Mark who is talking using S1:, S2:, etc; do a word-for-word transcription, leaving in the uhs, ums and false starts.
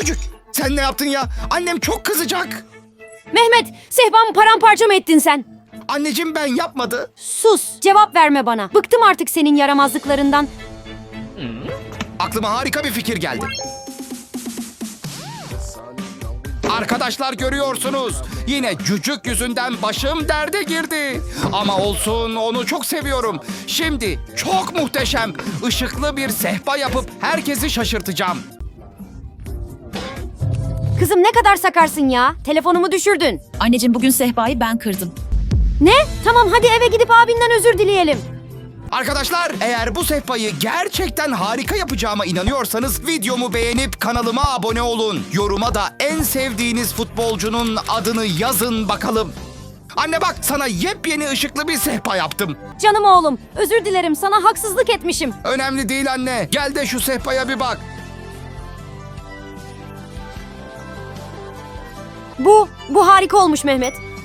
S1: çocuk. Sen ne yaptın ya? Annem çok kızacak.
S2: Mehmet, sehpamı paramparça mı ettin sen?
S1: Anneciğim ben yapmadı.
S2: Sus, cevap verme bana. Bıktım artık senin yaramazlıklarından.
S1: Aklıma harika bir fikir geldi. Arkadaşlar görüyorsunuz. Yine cücük yüzünden başım derde girdi. Ama olsun, onu çok seviyorum. Şimdi çok muhteşem, ışıklı bir sehpa yapıp herkesi şaşırtacağım.
S2: Kızım ne kadar sakarsın ya? Telefonumu düşürdün.
S3: Anneciğim bugün sehpayı ben kırdım.
S2: Ne? Tamam hadi eve gidip abinden özür dileyelim.
S1: Arkadaşlar, eğer bu sehpayı gerçekten harika yapacağıma inanıyorsanız videomu beğenip kanalıma abone olun. Yoruma da en sevdiğiniz futbolcunun adını yazın bakalım. Anne bak, sana yepyeni ışıklı bir sehpa yaptım.
S2: Canım oğlum, özür dilerim sana haksızlık etmişim.
S1: Önemli değil anne. Gel de şu sehpaya bir bak.
S2: Bu, bu harika olmuş Mehmet.